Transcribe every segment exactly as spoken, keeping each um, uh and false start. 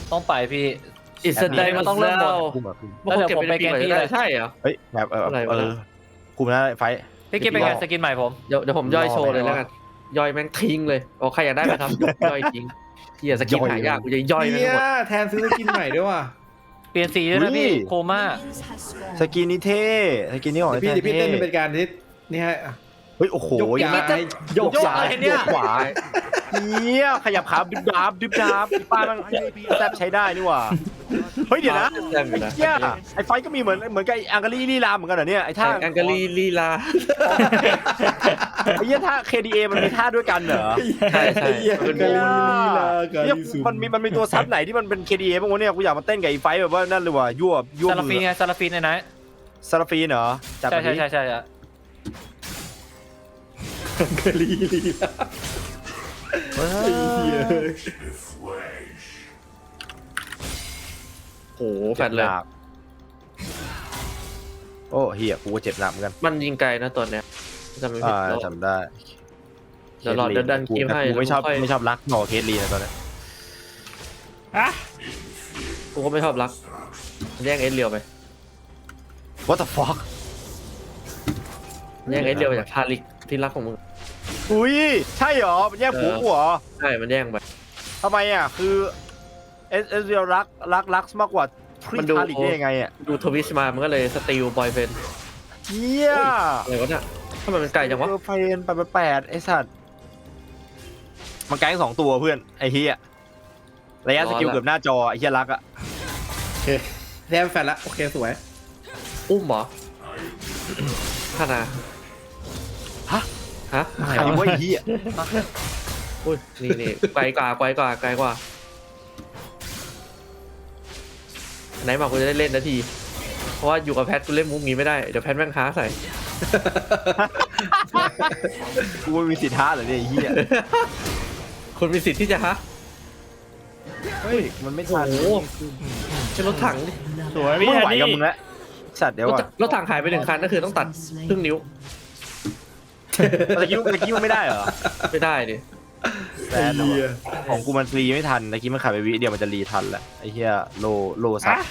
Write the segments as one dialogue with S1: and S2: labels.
S1: ต้องไปพี่
S2: อิสระ
S1: มันต้องเริ่มหมด
S2: แล้วเดี๋ยวผมไปแกนพี่เลยใช่เหรอ
S3: เฮ้ยแบบเออ
S2: อะไรวะ
S3: เออคุมนะไฟ
S1: พี่กิ๊บเป็นไงสกินใหม่ผม
S2: เดี๋ยวเดี๋ยวผมย่อยโชว์เลยแล้วกันย่อยแม่งทิ้งเลยโอ้ใครอยากได้ไหมครับย่อยทิ้งเฮียสกินหายากกูจะย่อยแม่ง
S4: เนี่
S2: หม
S4: ย
S2: ด
S4: แทนซื้อสกินใหม่ด้วยว่ะ
S1: เปลี่ยนสีด้วยนะพี่โคม่า
S3: สกินนี้เท่สกินนี้ของ
S4: เดี๋ยวพี่
S3: ไอ้
S4: เดี๋ยวพี่เต้น
S3: เท่
S4: เป็นการที่นี่ฮะ
S3: เฮ้ยโอ้โห
S4: ยกย้าย
S3: โยก
S1: โยก
S3: ซ้าย
S1: อะไรเนี่ย
S3: โยกขวาเนี่ยขยับขาดิบดาบดิบดาบป้ามันแซบใช้ได้นี่หว่าเฮ้ยเดี๋ยวนะ
S2: แซ่บอยู่นะ
S3: เฮียไอ้ไฟก็มีเหมือนเหมือนกับไอ้อังการีลีลาเหมือนกันเหรอเนี่ยไอ้ท่า
S2: แองกาลีลีลา
S3: ไอ้เหี้ยท่า เค ดี เอ มันมีท่าด้วยกันเหรอ
S2: ใช่ใช่
S4: เหี้ย
S2: มัน
S4: กา
S2: ดู
S4: ลีลีลากา
S3: เนี่ย
S4: ลีซู
S3: มันมีมันมีตัวซับไหนที่มันเป็น เค ดี เอ บ้างวะเนี่ยกูอยากมาเต้นกับไอ้ไฟแบบว่านั่นเลยว่ะยั่วยั่ว
S1: ซาลาฟี
S3: มื
S1: น
S3: อ
S1: ไงซาลาฟีนในนั้น
S3: ซาลาฟีนเหรอจัด
S1: ใช่
S3: มา
S1: ใช่
S3: ดิ
S1: ใช่ใช่ใช่
S4: กาลีลีลา
S3: เฮ้ย
S4: เหี้ย
S2: โหแฟดเลย
S3: โอ้เฮียกูก็เจ็บหนักเหมือนกัน
S2: มันยิงไกลนะตัวเนี้ยจำไม่ผิ
S3: อ่า
S2: ดแล้ว
S3: จำได้
S2: เดี๋ยวรอเดี๋ยวดันคลิปให้
S3: กูไม่ชอบ
S2: แล้วค่อย
S3: ไม่ชอบรักหนอเคสลีนะตอนนี้
S2: กูก็ไม่ชอบรักแย่งเอสเรียวไป
S3: What the fuck
S2: แย่งเอสเรียวไปจากทาริกที่รักของมึง
S3: อุ้ยใช่เหรอมันแย่งผัวกูเหรอ
S2: ใช่มันแย่งไป
S3: ทำไมอ่ะคือเอสเอสเรียลรักรักรักมากกว่าทริ
S2: มันดู
S3: ทาริกได้ยังไงอ่ะ
S2: ดูทวิสมามันก็เลยสตีลบอยเฟน
S3: เฮีย
S2: อะไรวะเนี่ยถ้ามันเป็นไก่จังวะ
S3: เออไฟเอ็นแปดแปดไอ้สัตว์มันไกลทั้งสองตัวเพื่อนไอ้เฮียระยะสกิลเกือบหน้าจอไอ้เฮียรักอ่ะ
S4: โอเคแทนแฟนละโอเคสวย
S2: อุ้มเหรอท่านา
S3: ฮะ
S2: ฮะ
S3: ใครวะไอ้เฮีย
S2: อุ้ยนี่นี่ไกลกว่าไกลกว่าไกลกว่าไหนบอกกูจะได้เล่นนาที เพราะว่าอยู่กับแพทกูเล่นมุกนี้ไม่ได้ เดี๋ยวแพทแม่งค้าใส่
S3: กูไม่มีสิทธิ์ท้าเหรอเนี่ยไอ้เฮีย
S2: คนมีสิทธิ์ที่จะฮะ
S3: เฮ้ยมันไม่ทัน
S2: โอ้โหใช้รถถังดิ
S1: สวยพี่
S3: ไม่
S1: แท
S3: ไหวน
S1: นี่
S3: กับมึงแล้วสัตว์เดี๋ยว
S2: รถ
S3: ก่อน
S2: รถถังหายไปหนึ่งคันก็คือต้องตัดครึ่งนิ้ว
S3: ตะกี้ตะกี้มันไม่ได้เหรอ
S2: ไม่ได้ดิ
S3: แซดเหรอวะของกูมันรีไม่ทันตะกี้มันขายไปวิเดียวมันจะรีทันแหละไอ้เหี้ยโลโลซับ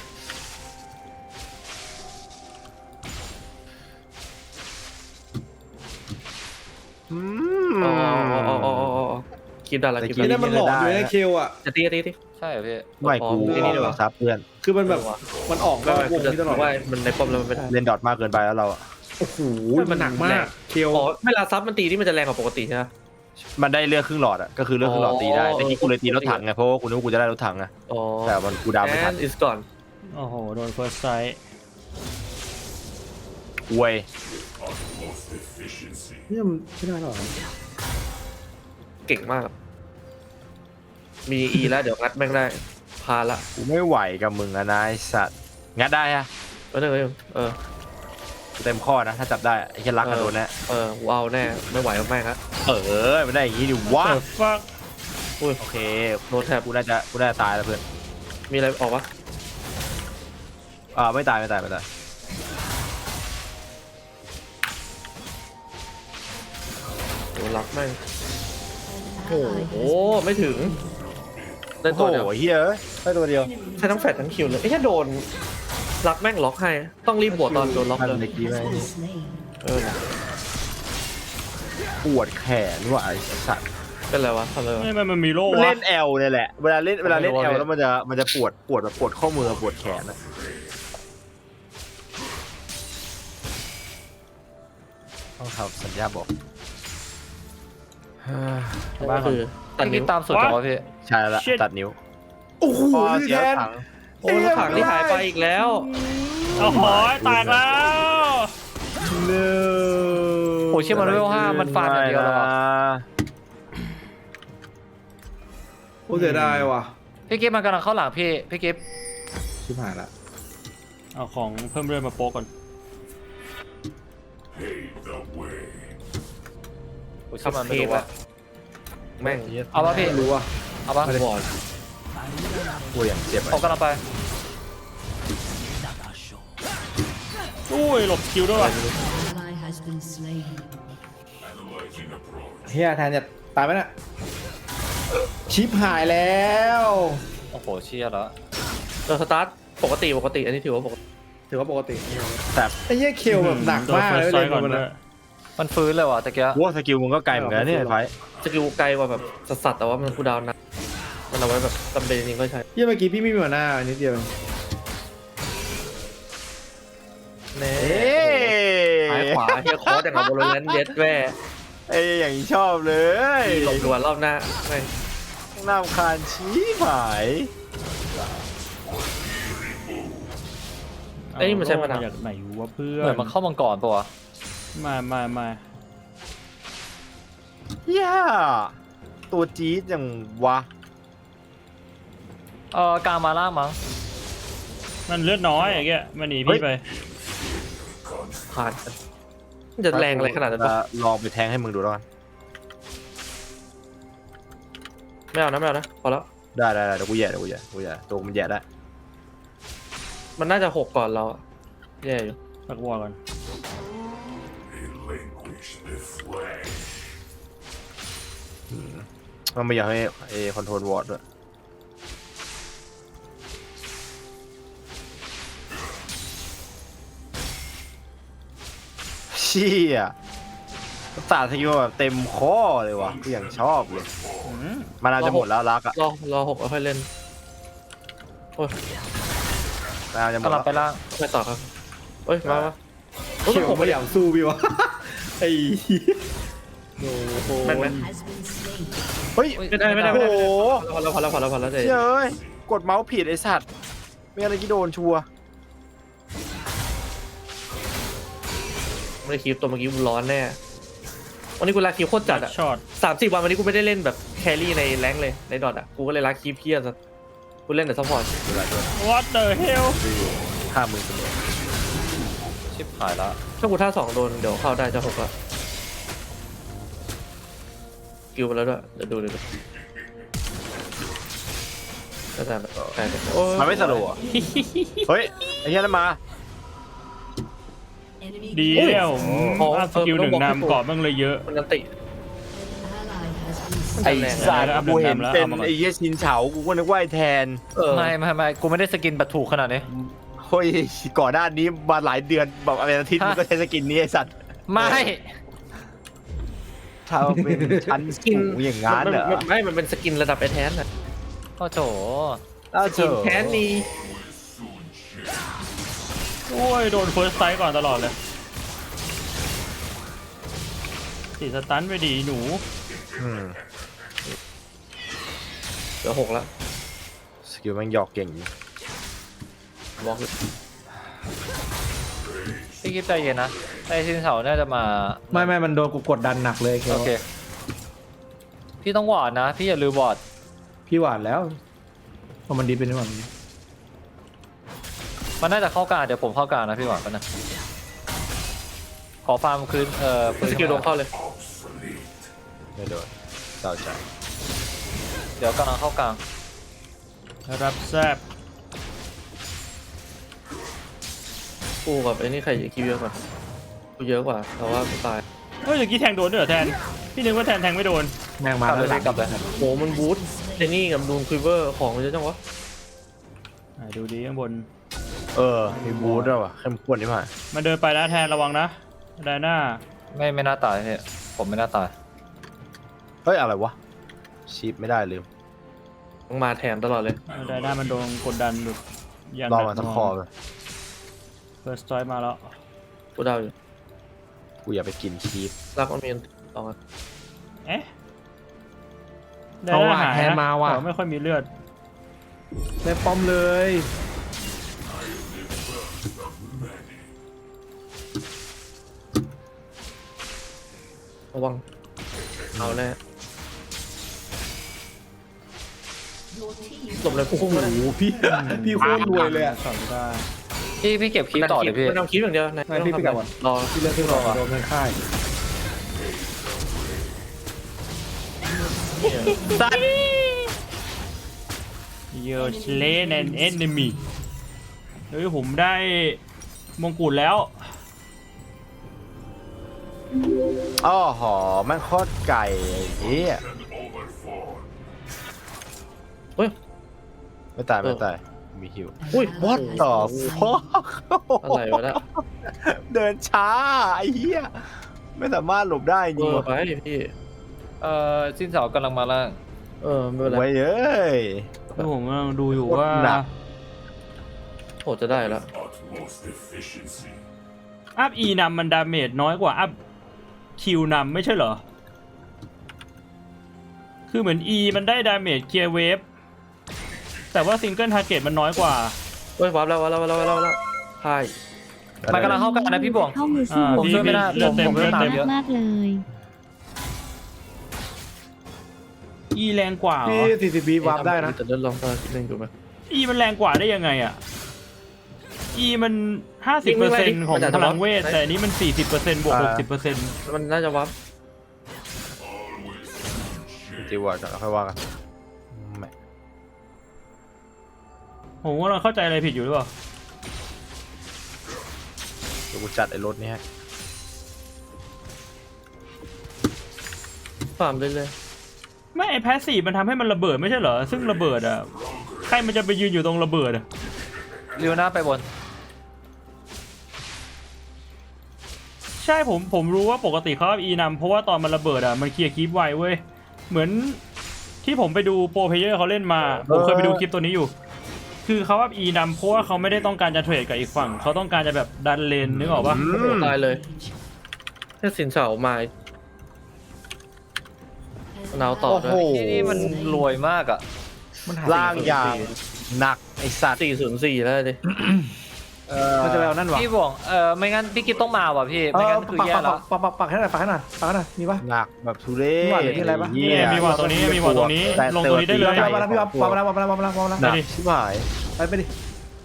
S3: อืม
S2: อ๋ออ๋ออ๋ออ๋ออ๋อคลิปได้ละคลิป
S4: นี่
S2: ได้
S4: นั่นมันหลอนอยู่ในเคลอ่ะ
S2: จะตีตีตี
S1: ใช่เหรอพี่
S3: ไม่กู
S2: อ๋อ
S3: ออกซับเพื่อน
S4: คือมันแบบมันออก
S2: ไม่
S4: นอก
S2: ไม่
S4: ว
S2: กู
S4: ง
S2: จะ
S4: ที่ตลอด
S2: ว่ามันในปอมแล้วมันไม่ได้
S3: เล่นดอทมากเกินไปแล้วเราอะ
S4: โอ้โห
S2: มั
S4: มัน
S2: น
S4: หนัก
S2: แร
S4: มาก
S2: ง
S4: เคล
S2: อ๋อเวลาซับมันตีที่มันจะแรงกว่าปกติใช่ไหม
S3: มันได้เลือกครึ่งหลอดอะก็คือเลือกครึ่งหลอดตีได้
S2: อ๋อ
S3: ตะกี้กูเลยตีรถถังไงเพราะว่ากูนึกว่ากูจะได้รถถังไง
S2: อ๋อ
S3: แต่มันกูดาวไม่ทัน
S2: and is gone
S1: โอ้โหโดน first strike
S3: อวย
S4: เนี่ยมันไม่ได้หรอ
S2: เก่งมาก มี E แล้วเดี๋ยวงัดแม่งได้พาละ
S3: กูไม่ไหวกับมึงอะนายสัตว์งัดได้ฮะ
S2: เออเออเออ
S3: เต็มข้อนะถ้าจับได้ไอ้แค่รักกันโดนแน่
S2: เออกูเอาแน่ไม่ไหวกับแม่งครับ
S3: เออมันได้อย่างงี้ดิวะ
S1: fuck
S2: อุ้ย
S3: โอเค
S2: โดนแทบ
S3: กูน่าจะกูน่าจะตายแล้วเพื่อน
S2: มีอะไรออกวะ
S3: อ่าไม่ตายไม่ตายไม่ตาย
S2: โดนล็อกแม่งโอ้โหไม่ถึงได้
S3: โอ้
S2: ตัวเดียว
S3: โหเฮียเอ้ยได้ตัวเดียว
S2: ใช้ทั้งแฟดทั้งคิวเลยไอ้แค่โดนล็อกแม่งล็อกให้ต้องรีบบวกตอนโดนล็อก
S3: ทัน
S2: เลย
S3: เมื่อกี้ไหม
S2: เออ
S3: ปวดแขนว่ะไอ้สัตว์
S2: เป็นไรวะทำอะไรวะ
S1: ไม่มันมันมีโล่
S3: มัน
S1: วะ
S3: เล่นแอลเนี่ยแหละเวลาเล่นเวลาเล่น
S2: ไม่
S3: แอ
S2: รู้
S3: ล
S2: ว่า
S3: แล้วมันจะมันจะปวดปวดแบบปวดข้อมือปวดแขนนะต้องทำสัญญาบอก
S2: ก็คือตัด
S1: พี่
S2: นิ้
S1: กิ๊
S2: ว
S1: บตามสุดจังวะพี่
S3: ใช่แล้วตัดนิ้ว
S4: โอ้โห
S3: พอ
S4: นี่
S3: เสีย
S4: แทน
S3: ถัง
S2: โอ้รถถังที่หายไปอีกแล้ว
S1: โอ้โหตายแล้ว
S3: เนื้
S1: โอ้เชื่อมันเลเวลห้ามันฟาดอย่างเดียวแล้วอะ
S4: โอ้เสียดายว่ะ
S1: พี่กิ๊บมันกำลังเข้าหลังพี่พี่กิ๊บ
S4: ชิบหายละ
S1: เอาของเพิ่มเรื่อยมาโป๊กก่อนโอ้เชื่อมันไม่รู้ว่า
S2: แม่ง
S1: เอาปะพี่
S4: ไม่รู้ว่ะ
S1: เอาปะ
S2: บอล
S3: กูอย่างเจ็บ
S1: ผมกำลังไปอุ้ยหลบคิวด้วยว่ะ
S4: เฮียแทนจะตายไหมน่ะชิปหายแล้ว
S1: โอ้โหเชี่ยแล้ว
S2: เออสตาร์ทปกติปกติอันนี้ถือว่าปกติ
S4: ถือว่าปกติ
S3: แต่
S4: ไอ้เหี้ยเคลแบบหนักมากเลย
S5: โดน
S4: เลย
S5: ก่อน
S4: มัน
S5: ด้ว
S4: อะ
S5: ย
S1: มันฟื้นเลยว่ะตะเกีย
S3: ว่าสกิลมึงก็ไกลเหมือนกันนะเนี่ยไอ้ไฟ
S2: สกิลไกลกว่าแบบสัสๆแต่ว่ามันคูลดาวน์นะมันเอาไว้แบบจำเป็นจริงๆก็ใช้
S4: เหี้ยเมื่อกี้พี่ไม่มีหัวหน้านิดเดียว
S2: แน่
S3: เอ๊ะ
S2: ซ้ายขวาเฮียคอร์สอย่างกับโบโลแลนเย็ดแว่
S3: เอ้ยอย่างนี้ชอบเลย
S2: หลบด่วนรอบหน้าไม่
S3: น่ารำคาญชี้หาย
S2: ไอ้ยนี่มันใช้มะนาว
S5: เอจากไหนวะเพื่อ
S1: เหมือน นมันเข้ามังกรปะวะ
S5: มามามา
S3: ย่าตัวจี๊ดอย่างวะ
S1: เออกลางมาล่างมั้ง
S5: มันเลือดน้อยอย่างเงี้ยมันหนี
S3: เฮ้
S5: พี่
S3: ย
S5: ไป
S2: ผ่านกันมันจะแรงอะไรขนาดนั้น
S3: จะ
S2: วะ
S3: ลองไปแทงให้มึงดูแล้วกัน
S2: ไม่เอานะไม่เอานะพอแล้ว
S3: ได้ได้ได้เดี๋ยวกูแย่เดี๋ยวกูแย่กูแย่ตัวมันแย่ได้
S2: มันน่าจะหกก่อนเราอะแย่อยู่
S5: ตักวอลก่อน
S3: มันไม่อยากให้เอคอนโทรลวอร์ดด้วยเชี่ยศาสตร์สกิลแบบเต็มข้อเลยวะกูอย่างชอบเลย
S5: อืม
S3: มันอาจจะหมดแล้วรักอะ
S2: รอรอหกแล้วค่อยเล่นโอ้ย
S3: มันอาจจะหมด
S1: กำลั
S3: แล้
S1: ง
S3: ว
S1: ไปล่าง
S2: ไม่ต่อครับเอ้ยมามาเอ้ย
S4: เคล
S2: หก
S4: ไม่
S2: ไม่
S4: อยากสู้พี่วะ ไอ้เหี้ยโอ้โห
S2: แม่นไหม
S3: เฮ้ย
S2: ไม่ได้ไม่ได้
S3: โอ้
S2: ไม่
S3: โห
S2: ได้พอแล้วพอแล้วพอแล้วพอแล้วเจ๊
S3: เชี่ยเอ้ยกดเมาส์ผิดไอสัตว์ไม่อะไรกี่โดนชัวร์
S2: ไม่ได้คลิปตัวเมื่อกี้มันร้อนแน่วันนี้กูลาคลิปโคตรจัดอะ
S5: ช็อต
S2: สามสี่วันวันนี้กูไม่ได้เล่นแบบแครี่ในแรงค์เลยในดอทอะกูก็เลยลาคลิปเพี้ยซะกูเล่นแต่ซัพพอร์ต
S3: เวลาด้วย
S5: What the hell
S3: ห้าหมื่นเสมอ
S1: ชิบหายละ
S2: ถ้ากูท่าสองโดนเดี๋ยวเข้าได้จะหกอะกิวไปแล้วด้วยเดี๋ยวดูเดี๋ยวดูก็จะแบบใช่โอ้ย
S3: มันไม่สโลว์อะเฮ้ยไอ้เหี้ยนั่นมา
S5: ดีแล้วอัพสกิลหนึ่งนำเกาะบ้างเลยเยอะ
S2: มันนันติ
S3: ไอ้
S2: แรงนะ
S3: สัตว์
S5: แล้วอัพ
S3: กูเห็น
S5: แล้ว
S3: เป็น
S5: เอามาก่อน
S3: ไอ้เหี้ยชินเฉากูก็นึกว่าไอ้แทน
S2: เออ
S1: ไม่ไม่ไม่กูไม่ได้สกินแบบถูกขนาดนี้
S3: เฮ้ยก่อนหน้านี้มาหลายเดือนแบบอะไรอาทิตย์
S1: ฮะ
S3: มึงก็ใช้สกินนี้ไอ้สัตว์
S1: ไม่
S3: ถ้าเป็นชั้นสูงอย่างงั้นเหรอ
S2: มัไม่มันเป็นสกินระดับไอแทนอะ
S1: โอ้โถ
S3: อ้าว
S2: ส
S3: เถ
S2: กิน
S3: อะ
S2: แทนนี่
S5: โอ้ยโดนเฟิร์สไซต์ก่อนตลอดเลยติดสตันไปดีหนู
S3: อืม
S2: เหลือหกแล้ว
S3: สกิลแมันหยอกเก่งอยู่
S2: บล็อกเลย
S1: พี่คิดใจเย็นนะไอ้ซินเสาน่าจะมา
S4: ไม่ไม่มันโดนกูกดดันหนักเลยเคล
S1: โอเคพี่ต้องวอร์ดนะพี่อย่าลืมวอร์ด
S4: พี่หวานแล้วเพราะมันดีเป็นที่หวาน
S1: มันน่าจะเข้ากลางเดี๋ยวผมเข้ากลางนะพี่วอร์ดกันนะขอฟาร์มคืนเอ่อปืน
S2: สกิลโดนเข้าเลย
S3: ไม่โดนเศร้าใจ
S1: เดี๋ยวกำลังเข้ากลาง
S5: รับแซบ
S2: กูกับไอ้นี่ใครจะคิวเยอะกว่ากูเยอะกว่าแต่ว่ากูตาย
S5: เฮ้ยเมื่อกี้แทงโดนด้วยเหรอแทนพี่นึกว่าแทนแทงไม่โดน
S4: แม่งมาก
S1: ลับเลย
S4: แล้ว
S1: พี่กลับเลย
S2: โหมันบูทเจนี่กับดูนคุยเวอร์ของมันเยอะจังวะ
S5: อ่ะดูดีข้างบน
S3: เออมีบูทด้วยว่ะเข้มข้นนี่มา
S5: มันเดินไปนะแทนระวังนะไดหน้า
S1: ไม่ไม่น่าตายพี่ผมไม่น่าตาย
S3: เฮ้ยอะไรวะชีพไม่ได้ลืม
S2: ต้องมาแถมตลอดเลย
S5: ไดหน้ามันโดนกดดันแบบอย่าง
S3: รอมาสักคอเลย
S5: เฟิร์สไซต์มาแล้ว
S2: กูเดาอยู่
S3: กูอย่าไปกินชีพ
S2: รักมันมีลองกัน
S5: เอ๊ะได
S4: เอา
S5: หน้า
S4: ว่ะ
S5: หาย
S4: แทน
S5: นะ
S4: มาว่ะ
S5: แต่ไม่ค่อยมีเลือด
S4: ได้ป้อมเลย
S2: ระวังเอาแน่หลบเลยพุ่ง
S4: โอ้
S2: มาเลย
S4: โหพี่พี่โคตรรวยเลยอะ
S5: สองได้
S1: พี่พี่เก็บคลิปต่อเลยพี่
S2: มันทำคลิปอย่างเดียวนะ
S4: ไม่พี่ไปกลับก่อน
S2: รอ
S4: พี่เลือกที่รอโดนเงินค่าย
S3: สัตว์
S5: เยอร์เลนแอนเอนมีเฮ้ยผมได้มงกุฎแล้ว
S3: อ้อหอแม่งโคตรไก่ไอ้เหี้ย
S2: เฮ้ย
S3: ไม่ตายไม่ตายมีฮิว
S2: อุ้ย
S3: What the fuck
S2: อะไรวะเนี่ย
S3: เดินช้าไอ้เหี้ยไม่สามารถหลบได้จ
S2: เอ
S3: ริง
S2: อ
S3: วะ
S2: ไปพี่
S1: เอ่อสิ้นเสากำลังมาล่าง
S2: เออไม่เป็นไร
S3: ไว้เอ้ย
S5: คือผมกำลังดูอยู่
S3: โคตร
S5: ว่า
S3: หนัก
S2: โหจะได้แล้ว
S5: อัพอีนำมันดาเมจน้อยกว่าอัพคิวนำไม่ใช่เหรอ คือเหมือน E มันได้ดาเมจเคลียร์เวฟแต่ว่าซิงเกิลทาร์เก็ตมันน้อยกว่า
S2: เฮ้ยวับแล้ววับแล้ววับแล้ววับแล้ววับแล้วใช่
S1: มันกำลังเข้ากันนะพี่บวง
S6: เข้ามือสู้
S5: อ่า
S1: ผมช่วยไม่ได้
S5: เลือดเต็ม
S1: ผม
S5: เลือด
S1: ตาม
S5: เต็ม
S1: เยอะ
S6: มากๆเลย
S5: E แรงกว่าเหร
S4: พี่
S5: อ
S4: สี่สิบวิวาร์ปได้นะ
S2: แต่เล่นลองตอนเล่นดูไหม
S5: E มันแรงกว่าได้ยังไงอ่ะ E มันห้าสิบเปอร์เซ็นต์ของพลังเวทแต่อันนี้มันสี่สิบเปอร์เซ็นต์บวกหกสิบเปอร์เซ็นต์
S2: มันน่าจะวับ
S3: จีวอร์ดค่อยว่ากันไม่
S5: ผมว่าเราเข้าใจอะไรผิดอยู่หรือเปล่า
S3: เดี๋ยวกูจัดไอ้รถนี้ให้
S2: ฟาร์มเลยเลย
S5: ไม่ไอแพสซีฟมันทำให้มันระเบิดไม่ใช่เหรอ ซึ่งระเบิดอ่ะ ใครมันจะไปยืนอยู่ตรงระเบิดอ่ะ
S1: ลิวหน้าไปบน
S5: ใช่ผมผมรู้ว่าปกติเขาเอา E นำเพราะว่าตอนมันระเบิดอ่ะมันเคลียร์คลิปไวเว้ย เหมือนที่ผมไปดูโปรเพลเยอร์เขาเล่นมา ผมเคยไปดูคลิปตัวนี้อยู่ คือเขาเอา E นำเพราะว่าเขาไม่ได้ต้องการจะเทรดกับอีกฝั่ง เขาต้องการจะแบบดันเลนนึกออกปะ
S3: อื
S2: โอ้โห
S3: ม
S2: ตายเลยแค่สินเสามาหนาวต่อ
S3: โอ้
S2: ด้ว
S3: โห
S2: ย
S1: ที่นี่มันรวยมากอ่ะ
S4: มันหา
S3: ล่างอย่างหนักไอสัตว์
S2: สี่ศูนย์สี่แล้วดิ
S3: เออ
S4: มันจะไปเอานั่นวะ
S1: พี่บวงเออไม่งั้นพี่กิฟต้องมาว่ะพี่
S4: เอ
S1: ไม่
S4: อ
S1: งั้นคือ
S4: ปัก
S1: แย่
S4: ปัก
S1: แล้ว
S4: ปักปักปักให้หน่อยปักให้หน่อยปักให้หน่อยมีปะ
S3: หนักแบบทุเรศ
S4: มีหวัดหรือมีอะไรปะ
S3: เหี้
S5: นี่ไงมีวางตรงนี้มีวางตรงนี้
S3: แต่
S5: ลงตรงนี้ได้เลย
S4: วางมาแล้วพี่วางวางมาแล้ววางมาแล้ววางมาแล้ววางมาแล้ว
S3: หนักชิบหาย
S4: ไปไปดิ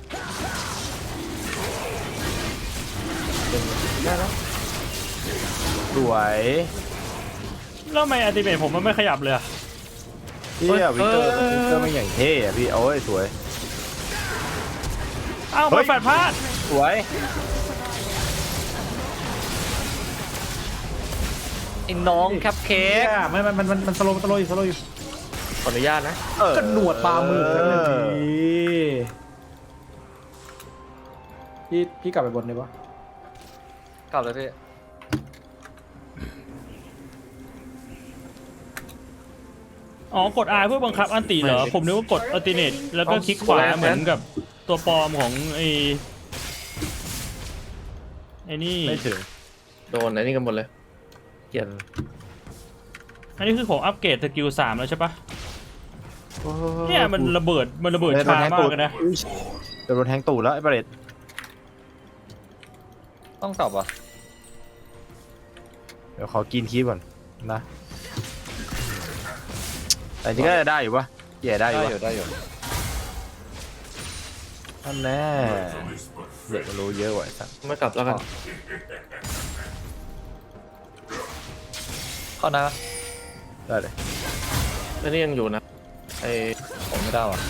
S4: ได้แล้ว
S3: สวย
S5: แล้วทำไมอัลติเมทผมมันไม่ขยับเลยอะ
S3: เฮียวิกเตอร์วิกเตอร์ไม่อย่างเท่อะพี่โอ้ยสวย
S5: อ้าว
S3: เฮ้
S5: มาย แฟดพลาด
S3: สวย
S1: ไอ้น้องแคปเค้ก
S4: เอ๊ะไม่มันมันมันมันสโลว์สโลว์อยู่สโลว์อยู่
S2: ขออนุญาตนะ
S3: เออ
S4: ก็หนวดปลาหมึกนั่นแหละดีพี่พี่กลับไปบนเลยปะ
S1: กลับเลยพี่
S5: อ๋อกด R เพื่อบังคับอันติเหรอ ผมนึกว่ากดอัลติเนตแล้วก็คลิกขวาเหมือนกับตัวปลอมของไอ้ไอ้นี่
S3: ไม่ถึง
S2: โดนไอ้นี่กันหมดเลยเกลียด
S5: อันนี้คือผมอัปเกรดสกิลสามแล้วใช่ปะเนี่ยมันระเบิดมันระเบิด
S3: โดน
S5: ช้า
S3: แทง
S5: มา
S3: ตู
S5: ก
S3: ด
S5: เลยนะ
S3: โดนแทงตูดแล้วไอ้ประเด็ด
S1: ต้องกลับว่ะ
S3: เดี๋ยวขอกินคีบก่อนนะแต่จริงก็ได้อยู่ปะแย่ได้
S1: ได้
S3: อยู่
S1: อยู่ได้อยู่
S3: ท่านแน่เด็กมันรู้เยอะกว่าไอ้สัส
S2: ไม่กลับแล้วกัน
S1: เข้านะ
S3: ได้เลย
S2: ไอ้นี่ยังอยู่นะไอ้
S1: ผมไม่ได้ว่ะ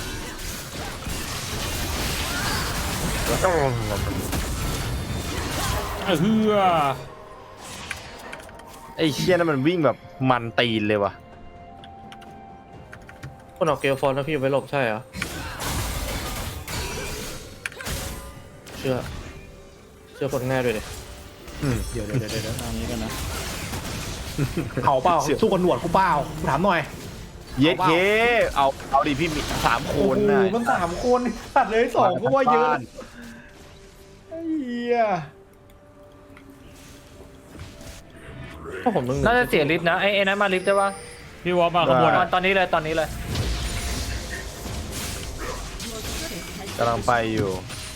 S5: เออเฮือ
S3: ไอ้เชี่ยนั่นมันวิ่งแบบมันตีนเลยว่ะ
S2: คนออกเกลฟอนแล้วพี่ไว้หลบใช่เหรอเชื่อเชื่อคนง่ายด้วยดิ
S3: อืม
S4: เดี๋ยวเดี๋ยวเดี๋ยวเดี๋ยว
S5: อันนี้กันนะ
S4: เขาเปล่าสู้กับหนวดกูเปล่ากูถามหน่อย
S3: เย็ดเคเอาเอาดิพี่มีสามค
S4: โอ้
S3: น
S4: โห
S3: นะ
S4: มันสามคนตัดเลยสองก็ว่าเยอะไอ้เหี้ย
S2: เพราะผมต้อง
S1: น่าจะเสียลิฟต์นะไอ้ไอ้นั้นมาลิฟต์ได้ปะ
S5: พี่วอลมาขบวน
S1: ตอ
S5: อ่ะ
S1: นตอนนี้เลยตอนนี้เลย
S3: กำลังไปอยู่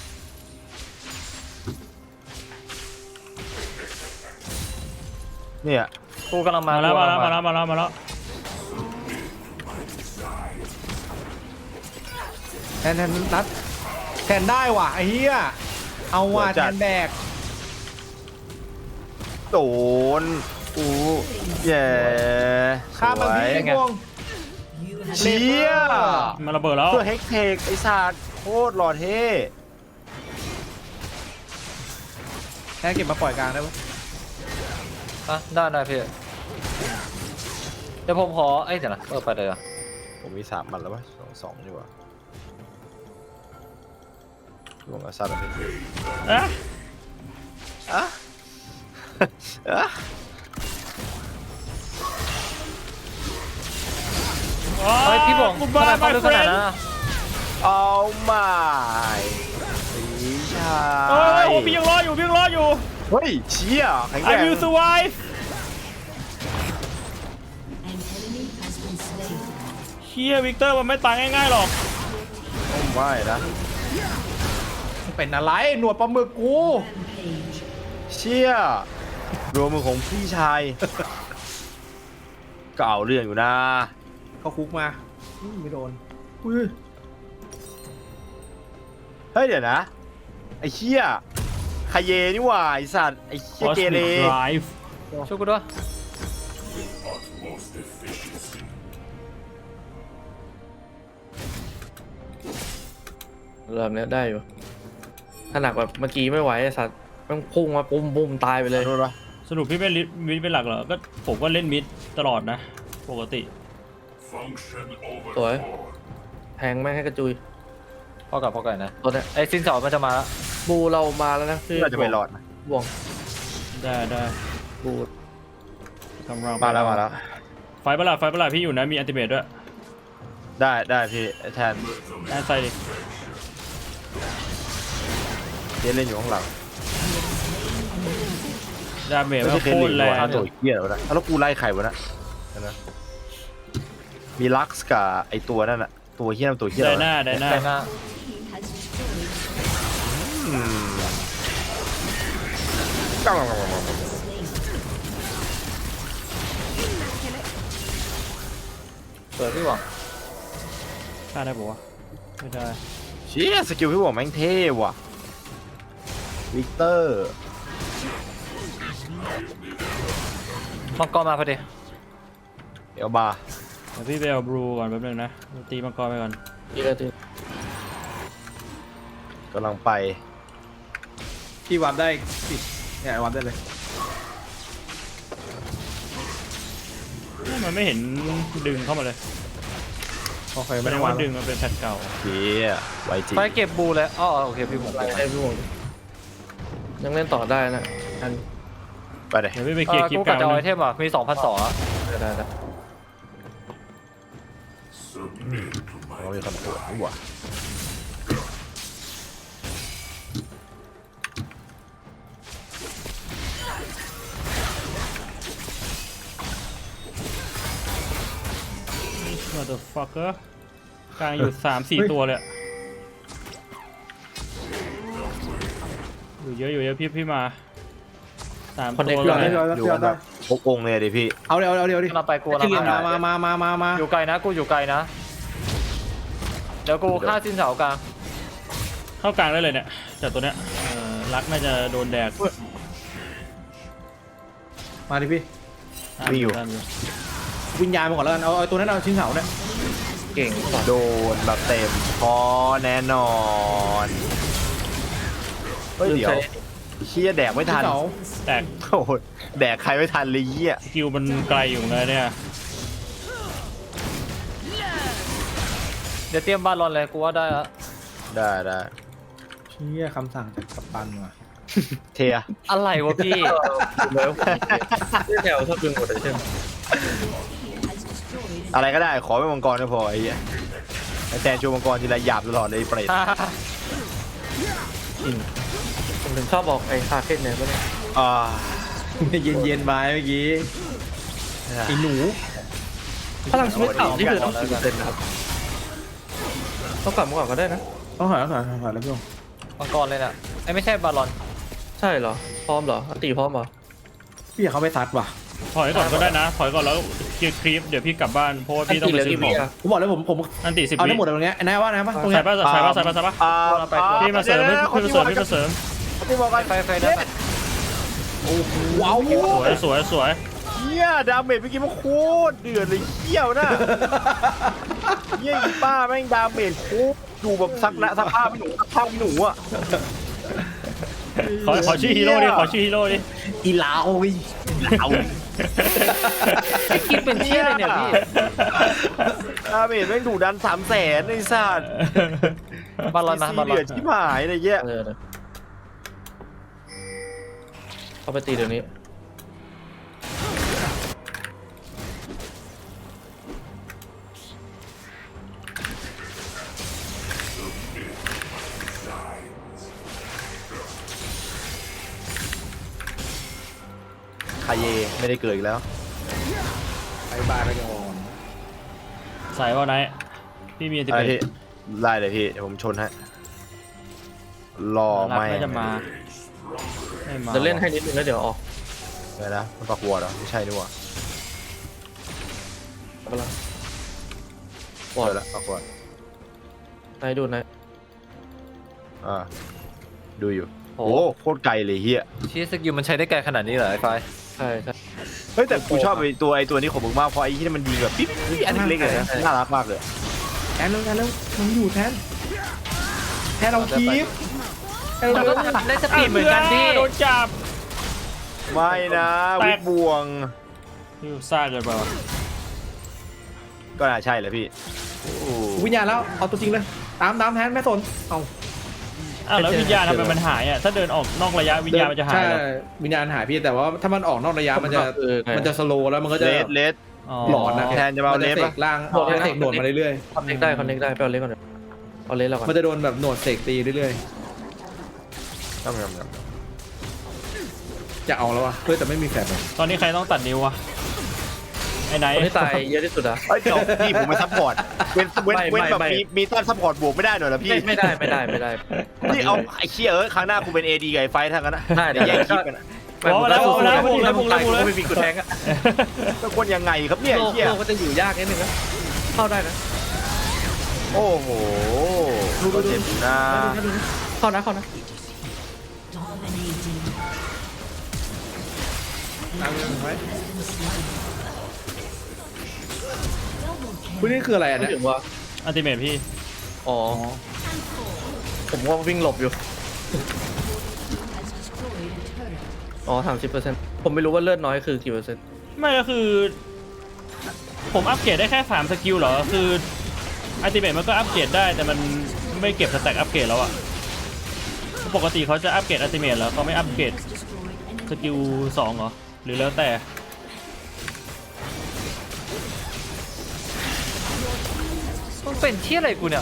S3: เนี่ย
S1: กูกำลังมา
S5: มาแล้ว
S1: กู
S5: มาก
S1: ำ
S5: แล้
S1: ลั
S5: ว
S1: ง
S5: มาแล้วมาแล้วมาแล้ว
S4: แทนแทนนัดแทนได้ว่ะไอ้เหี้ยเอาว่ะแทนแบก
S3: โดนอู้แย่
S4: ข้ามมัน
S3: สวย
S4: พี่พวง
S3: เชี่ย
S5: มันระเบิดแล้ว
S3: เพื่อเฮกเทคไอ้สัตว์โคตรหล่อเท่
S4: แทนเก็บมาปล่อยกลางได้ปะ
S1: อ่ะได้ได้พี่เดี๋ยวผมขอไอ้ยเดี๋ยวนะเออไปเลยอ่ะ
S3: ผมมีสามมันแล้ววะสองสองดีกว่าลงอาซัดอะไร
S5: อะ
S3: อะอะ
S1: เฮ้ยพี่บอง
S5: กู
S1: ข
S5: บ้า
S1: นาด
S5: ไป
S1: เข้าลึก
S5: เฟ
S1: ข
S5: ร
S1: นาด
S5: น
S1: นั้นอะ
S3: เอาไม่พี่ชา
S5: เอ้ย
S3: ย
S5: โอ้พี่ยังรออยู่พี่ยังรออยู่
S3: เฮ้ยเชี่ยแข็งแก
S5: I
S3: ร่ง
S5: will survive เฮียวิกเตอร์มันไม่ตายง่ายๆหรอก
S3: ไม่นะ
S4: เป็นอะไรหนวดปลาหมึกกู
S3: เชี่ยรวมมือของพี่ชายก็เอาเรื่องอยู่นะ
S4: เขาคุกมาอืมไม่โดนอุ้ย
S3: เฮ้ยเดี๋ยวนะไอ้เชี่ยคาเยนี่หว่าไอสัตว์ไอ้เชี่ยเกเร
S5: Cosmic Drive
S1: ช่วยกูด้วย
S2: เริ่มเนี้ยได้อยู่ถ้าหนักแบบเมื่อกี้ไม่ไหวไอ้สัตว์ต้องพุ่งมาปุ้มปุ้มตายไปเลย
S3: โทษวะ
S5: สรุปพี่เป็นมิดเป็นหลักเหรอ ก็ผมก็เล่นมิดตลอดนะ ปกติ
S2: สวยแทงแม่งให้กระจุย
S1: พ่อกับพ่อไก่นะ
S2: ตัวเนี้ย
S1: ไอ้ซินเสามันจะมาแล้ว
S2: บูเรามาแล้วนะคือ
S3: เราจะไปรอดนะ
S2: บ่วง
S5: ได้ได้
S2: บู
S5: กำลัง
S3: มาแล้วมาแล้ว
S5: ไฟประหลาดไฟประหลาดพี่อยู่นะ มีอันติเมตด้วย
S3: ได้ได้พี่แทน
S5: ได้ใส่ดิ
S3: เจเล่นอยู่ข้างหลัง
S5: ดาเมจ
S3: ไม่
S5: มัน
S3: ใช่
S5: โค
S3: เจ
S5: ตร
S3: เล่น
S5: แร
S3: อยู่
S5: ง
S3: วะตัวเหี้ยแล้วนะแล้วกูไล่ใครวะนะเดี๋ยวนะมีลักซ์กับไอตัวนั่นอะตัวเหี้ยนั่นตัวเหี้ย
S5: ได้
S3: อะไร
S5: หน้าว
S3: ะ
S5: ได้หน้า
S1: แต่หน้า
S3: อืม
S1: สวยพี่หวัง
S5: ฆ่าได้ปะวะไม่ได้
S3: เชี่ยสกิลพี่บอกแม่งเท่ว่ะวิกเตอร์
S1: มังกรมาพอดี
S3: เอลบา
S5: เดี๋ยวพี่ไปเอาบลูก่อนแป๊บนึงนะ ตีมังกรไปก่อน
S2: อีกแล้วที
S3: กำลังไป
S4: พี่วับได้สิเนี่ยวับได้เลย
S5: มันไม่เห็นดึงเข้ามาเลย
S4: โอเค
S5: ไม่
S4: ไม่
S5: ได้
S4: ได้
S5: ว่า
S4: วับ
S5: ดึงมันเป็นแพทเก่า
S3: เชี่ยไวจริง
S1: ไปเก็บบูเลยอ๋อโอเคพี่หวัง
S2: ไล่ได้พี่บ่วงยังเล่นต่อได้นะอัน
S3: ไปเลย
S5: เดี๋ยวพี่ไปเค
S1: เอ
S5: ลีย
S1: อ
S5: ร์คลิป
S1: กู
S5: ก
S1: กั
S5: ลา
S1: บ
S5: ง
S1: จะเอา
S5: นึ
S1: ไอง เทมอ่ะมีสองพันสองอ่ะ
S2: ได้ได้ได้
S3: เรามีคนปวดนี่หว่า
S5: มาตัวฟักเกอร์กลางอยู่สามสี่ตัวเลยอะอยู่เยอะอยู่เยอะพี่พี่มาสามตัว
S4: เดี๋ยว
S5: เล
S4: ได้
S5: ย
S4: เดี๋ยวได้
S3: อยู่
S4: เดี๋ยว
S3: แบ
S4: ได้
S3: บพกองค์เลยดิพี่
S4: เอาเดี๋ยวเอาเดี๋ยวดิ
S1: กำลังไปกูกำลัง
S4: ที่
S1: ไป
S4: มามามามามามา
S1: อยู่ไกลนะกูอยู่ไกลนะ เดี๋ยวกูฆ่าซินเสากลาง
S5: เข้ากลางได้เลยเนี่ยจากตัวเนี้ยเอ่อรักน่าจะโดนแดก
S4: มาดิพี่
S5: ตามอยู่ตามอยู่
S4: วิญญาณมาก่อนแล้วกันเอาเอาตัวนั้นเอาชิ้นเสาเนี่ย
S2: เก่งกว่า
S3: โดนแบบเต็มพอแน่นอนเฮ้ยเดี๋ยวเชี่ยแดกไม่
S4: ชิ้
S3: ทั
S4: น
S3: น
S4: เสา
S5: แตก
S3: โอ้โหแดกใครไม่ทันเลยเยี่ย
S5: สกิลมันไกลอยู่เหมือนกันเนี่ย
S1: เดี๋ยวเตรียมบาลอนเลยกูว่าได้ละ
S3: ได้ได้
S4: เชี่ยคำสั่งจากกัปตันว่ะ
S3: เทีย
S1: อะไรวะพี่
S2: แล้วที่แถวชอบดึงหมดเลยใช่ไหม
S3: อะไรก็ได้ขอไม่มังกรก็พอไอ้เหี้ยไอ้แทนชูมังกรทีไรหยาบตลอดเลยไอ้เปรต
S2: ผมถึงชอบบอกไอ้คาเฟ่เนี่ยก็ได้
S3: อ่า
S4: เย็นเย็นๆไปเมื่อกี้ไอ้หนู
S2: พลังชีวิตเต่านี่คือต้องสี่เปอร์เซ็นต์นะครับต้องกลับมาก่อนก็ได้นะ
S4: ต้องถอยต้องถอยต้องถอยแล้วพี่โอ
S1: มังกรเลยน่ะไอ้ไม่ใช่บาลอน
S2: ใช่เหรอพร้อมเหรออันตีพร้อมเหรอ
S4: พี่อยากเข้าไปซัดว่ะ
S5: ถอยก่อนก็ได้นะถอยก่อนแล้วเคลียร์คลิปเดี๋ยวพี่กลับบ้านเพราะว่าพี่ต้องไปซื้อของ
S4: ผมบอกเลยผมผม
S5: อันตีสิบ
S4: เอา
S5: วิ
S4: ได้หมดเลยตรงเนี้ยไอ้นายว่านะปะตรง
S5: ใส่
S4: เนี้ย
S5: ป่ะใส่ป่ะใส่ป่ะใส่ป่ะ
S3: อ่า
S5: พี่มาเสริมพี่มาเสริมพี่มาเสริม
S3: พี่บอกกัน
S1: ไฟไฟได้ไหม
S4: ว้าว
S5: สวยสวยสวย
S3: เฮียดาเมจเมื่อกี้มันโคตรเดือดเลยเขี้ยวน่ะเฮียอีป้าแม่งดาเมจโคตรดูแบบซักนะซักผ้าไม่หนูซักผ้าไม่หนูอ่ะ
S5: ขอขอชื่อฮีโร่ดิขอชื่อฮีโร่ดิ
S4: อีลาวอี
S3: เอา
S1: คิดเป็นเชี่ยเลยเนี่ยพี่
S3: ดาเมจแม่งดุดันสามแสนไอ้สัตว์
S1: บอลลอนนะบอลล
S3: เดื
S1: อ
S3: อน ดที่หายอะไรเงี้ย
S2: เออนะเอาไปตีเดี๋ยวนี้
S3: คาเยไม่ได้เกิดอีกแล้ว
S4: ไปบาร์ไปก่อน
S5: สายว่าไหนพี่มีอันติ
S3: อะไร
S5: เม
S3: พี่
S5: ต
S3: ไล่เลยพี่เดี๋ยวผมชนให้รอ
S5: รัก
S3: ไม่
S5: ไม่จะมาไม่มา
S2: เดี๋ยวเล่นให้นิดนึงแล้วเดี๋ยวออก
S3: เลยนะมันปักวัวเหรอไม่ใช่นี่หว่า
S2: เอาไปละ
S3: ปล่อยละปักวัวน
S2: ายดูนาย
S3: อ่าดูอยู่
S1: โอ้
S3: โอ้โคตรไกลเลยเฮีย
S1: ชี้สกิลมันใช้ได้ไกลขนาดนี้เหรอไอ้ไฟ
S2: ใช่ใช่
S3: เฮ้ยแต่กูชอบไอ้ตัวไอ้ตัวนี้ของมึงมากเพราะไอ้ที่มันยิงแบบปิ๊บปิ๊บอันเล็กๆเลยนะน่ารักมากเลย
S4: แทนเร็วแทนเร็วมันอยู่แทนแทนเราคีฟแทน
S1: มัน
S4: เรา
S1: ก็ได้สปีดเหมือนกันพี่
S5: โดนจับ
S3: ไม่นะ
S5: แตก
S3: วิบวง
S5: พี่ซ่าเกินไปวะ
S3: ก็น่าใช่แหละพี่โอ้
S4: วิญญาณแล้วเอาตัวจริงเลยตามตามแทนแม่สนเอา
S5: อ้าวแล้ววิญญาณทำไมมันหายอ่ะถ้าเดินออกนอกระยะวิญญาณมันจะหาย
S4: ใช่
S5: เหรอ
S4: วิญญาณหายพี่แต่ว่าถ้ามันออกนอกระยะมันจะ
S2: เออไง
S4: มันจะสโลว์แล้วมันก็จะ
S3: เลสเลส
S5: อ๋อ
S4: หลอนนะ
S3: แทนจะมาเอาเลส
S4: เส
S3: ปะ
S4: กล่างเอาเสกโดดมาเรื่อย
S2: คอนเน็กได้คอนเน็กได้ไปเอาเล็กก่อนเดี๋ยวเอาเล็กแล้วก่อ
S4: ๆ
S2: น
S4: มันจะโดนแบบโหนดเสกตีเรื่อย
S3: ยำยำย
S4: ๆจะเอาแล้วอะเฮ้ยแต่ไม่มีแฟลชเลย
S5: ตอนนี้ใครต้องตัดนิ้ววะไอ้ไหน
S2: คนที่ตายเยอะที่สุดอะ
S3: ำเอ้ยเดี๋ยวพี่ผมมาซัพพอร์ตเว้นเว้น
S2: ไม่
S3: เว้นแบบ
S2: ไม่
S3: มีมีต้านซัพพอร์ตบวกไม่ได้หน่อยเหรอพี่
S2: ไม่ไม่ได้ไม่ได้ไม่ได้
S3: นี่เอาไอ้เชี่ยเอ้ยครั้งหน้ากูเป็นเอดีกับไอ้ไฟท์ทั้งนั้นนะ
S2: ได้
S3: เดี๋ยวแย่งคลิปกันอะ
S5: พอแล้วพอแล้วพอแล้วพอแล้วพอแล้ว
S2: ไม่มีกูแทงอะ
S3: เป็นคนยังไงครับเนี่ย
S2: โล
S3: ไอ้
S2: ก
S3: เชี่ย
S2: โลกก็จะอยู่ยากนิดนึงนะเข้าได้นะ
S3: โอ้โหก็เจ็บอยู่นะ
S2: เข้านะเข้านะ
S4: ตามกันไว้คุณนี่คืออะไรอ่ะ
S2: ไม่
S4: เนี่ย
S2: ถึงว่า
S5: อัลติเมทพี่
S2: อ๋อผมว่าวิ่งหลบอยู่อ๋อสามสิบเปอร์เซ็นต์ผมไม่รู้ว่าเลือดน้อยคือกี่เปอร์เซ็นต์
S5: ไม่ก็คือ ผมอัปเกรดได้แค่สามสกิลเหรอคืออัลติเมทมันก็อัปเกรดได้แต่มันไม่เก็บสแต็กอัปเกรดแล้วอะปกติเขาจะอัปเกรดอัลติเมทแล้วเขาไม่อัปเกรดสกิลสองเหรอหรือแล้วแต่
S1: มันเป็นที่อะไรกูเนี่ย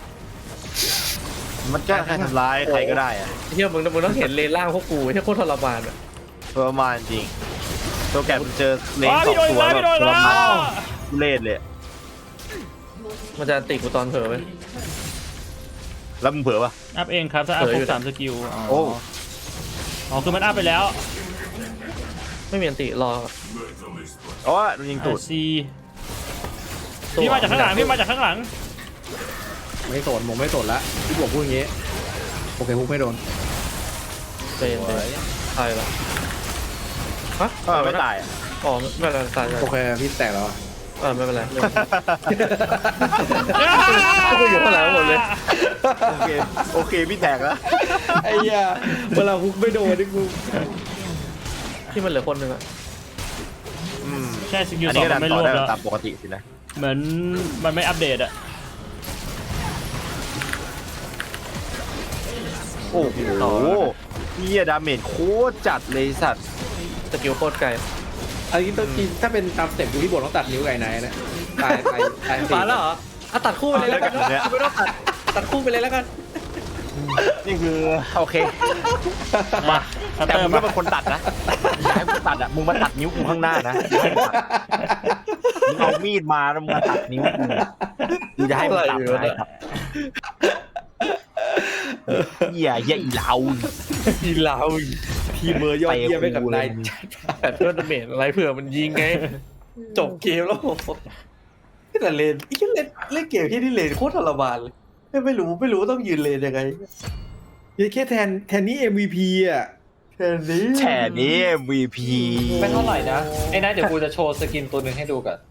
S3: มันก็ใครทำร้ายใครก็ได้อะ
S2: เฮียมึงมึงต้องเห็นเลนล่างพวกกูไม่ใช่โคตรทรมานอะ
S3: ประมาณจริงตัวแกมันเจอเลน
S5: ว้า
S3: สอ
S5: พี่
S3: ง
S5: โดน
S3: ตัว
S5: แล้ว
S3: แบ
S5: พี่
S3: บ
S5: โดน
S3: ทร
S5: แล้ว
S3: มานทุเล่เลย
S2: มันจะติกูตอนเผลอไหม
S3: แล้วมึงเผลอปะ
S5: อัพเองครับถ้าอัพ
S2: เผลอ
S5: คร
S2: อยู่
S5: บสามสกิลอ๋อ
S3: โอ้
S5: อ๋อคือมันอัพไปแล้ว
S2: ไม่มีอันติรอ
S3: อ๋อโดนยิงตูด
S5: ซี พี่มาจากข้างหลังพี่มาจากข้างหลัง
S4: ไม่สนผมไม่สนละพี่บอกพูดอย่างงี้โอเคพูดไม่โดน
S2: เป็นเป็นตายละฮะ
S3: เออไม่ตายอะ
S2: อ๋อไม่เป็นไรตายเลย
S4: โอเคพี่แตกแล้วอะ
S2: เออไม่เป็นไรพวกกูอยู่ข้างหลังหมดเลย
S3: โอเคโอเคพี่แตกแล้ว
S4: ไอ้เหี้ยเวลาฮุกไม่โดนนี่กู
S2: ที่มันเหลือคนหนึ่งอะ
S3: อืม
S5: ใช่สกิล
S3: อัน
S5: สอ
S3: นี้
S5: ง
S3: ก็
S5: มั
S3: ดั
S5: น
S3: น
S5: ไม่
S3: ต่
S5: ร
S3: อ
S5: วบ
S3: ได้
S5: แล้ว
S3: ตามปกติสินะ
S5: เหมือนมันไม่อัปเดตอะ
S3: โอ้โหเฮียดาเมจโคตรจัดเลยสัตว์
S2: สกิลโคตรไกล
S4: อันนี้ต้องกินถ้าเป็นตามสเต็ปดูที่บทต้องตัดนิ้วไก่ไหนนะตายตายตาย
S2: มาแล้วเหรออ่ะตัดคู่ไปเลยแล้วกันไม่ต้องตัดตัดคู่ไปเลยแล้วกัน
S3: นี่คือโอเค
S5: มาคัต
S3: แต่
S5: เตอ
S3: มึ
S5: ร์
S3: ง
S5: มา
S3: ก็เป็นคนตัดนะอย่าให้มึงตัดอ่ะมึงมาตัดนิ้วกูข้างหน้านะอย่าให้มึงตัดมึงเอามีดมาแล้วมึงมาตัดนิ้วกูกูจะให้มึงตัดนะครับเหี้ยเหี้ยอีเหลา
S2: ทีเรา
S4: ทีมเมอร์ยอดเยี่ยมไปกับนาย
S2: แต่เพื่อนดาเมจอะไรเผื่อมันยิงไงจบเกมแล้วแต่เลนไอ้เล่นเล่นเกมที่นี่เลนโคตรทรมานเลยไม่ไม่รู้ไม่รู้ต้องยืนเลนยังไง
S4: ยัยแค่แทนแทนนี่ เอ็ม วี พี อ่ะ
S2: แค่นี้
S3: แฉนี้ เอ็ม วี พี
S1: ไม่เท่าไหร่นะไอ้นั่นเดี๋ยวกูจะโชว์สกินตัวหนึ่งให้ดูกัน